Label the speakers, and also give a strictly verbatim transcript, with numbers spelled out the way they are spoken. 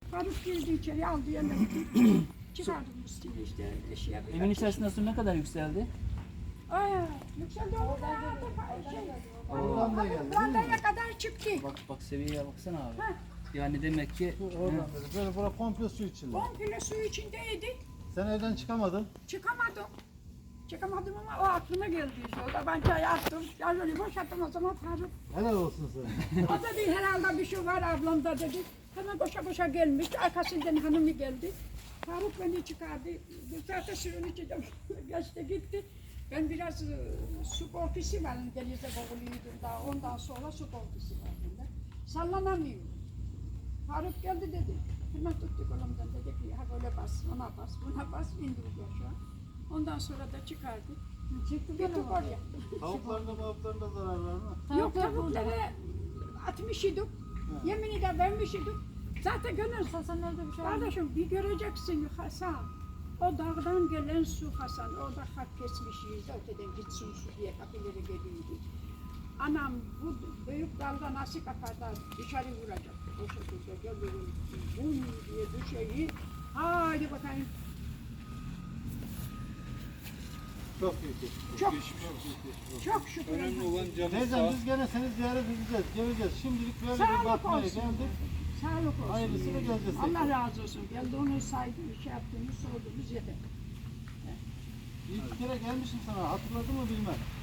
Speaker 1: Faruk girdi içeri aldı yanına. Çıkardım üstüne işte eşya.
Speaker 2: Evin içerisinde su ne kadar yükseldi?
Speaker 1: Ay yükseldi oradan şey.
Speaker 3: Oradan da geldi.
Speaker 1: Brandaya kadar çıktı.
Speaker 2: Bak bak seviyeye baksana abi.
Speaker 1: Ha.
Speaker 2: Yani demek ki
Speaker 3: Su oradan dedi. Böyle bura komple su içinde.
Speaker 1: Komple su içindeydi.
Speaker 3: Sen evden çıkamadın.
Speaker 1: Çıkamadım. Çıkamadım ama o aklıma geldi işte. O da ben çay attım. Ya böyle boşalttım o zaman Faruk.
Speaker 3: Helal olsun sana.
Speaker 1: O dedi herhalde bir şey var ablamda dedi. Hemen koşa koşa gelmiş. Arkasından hanımı geldi. Faruk beni çıkardı. Bu saatte suyun içinde geçti gitti. Ben biraz e, su korkusu var. Denize boğuluyordum daha. Ondan sonra su korkusu var bende. Sallanamıyorum. Faruk geldi dedi. Hemen tuttu kolumdan dedi ki ha böyle bas, ona bas, buna bas, indirdi aşağı. Ondan sonra da çıkardı. Çıktı gittik oraya.
Speaker 3: Tavuklarına mavuklarına zarar var mı?
Speaker 1: Yok tavukları atmış idik. Yemini de vermiş idik. Zaten gönül
Speaker 4: Hasan nerede bir şey var?
Speaker 1: kardeşim bir göreceksin Hasan. O dağdan gelen su Hasan. Orada hak kesmişiz. Öteden gitsin su diye kapıları geliyordu. Anam bu büyük dalga nasıl kaparlar dışarı vuracak. O şekilde geliyorum. Bum diye düşeyi. Haydi bakayım.
Speaker 3: Çok büyük geçmiş.
Speaker 1: Çok
Speaker 3: Çok
Speaker 1: çok şükür.
Speaker 5: Önemli olan canı
Speaker 3: Teyzem
Speaker 5: sağ.
Speaker 3: biz gene seni ziyaret edeceğiz. Geleceğiz. Şimdilik böyle bir
Speaker 1: Sağlık
Speaker 3: bakmaya
Speaker 1: olsun.
Speaker 3: geldik.
Speaker 1: Sağlık olsun.
Speaker 3: Hayırlısıyla geleceğiz.
Speaker 1: Allah razı olsun. Geldiğiniz saydınız, şey yaptınız, sordunuz yeter.
Speaker 3: İlk kere gelmişim sana. Hatırladın mı bilmem.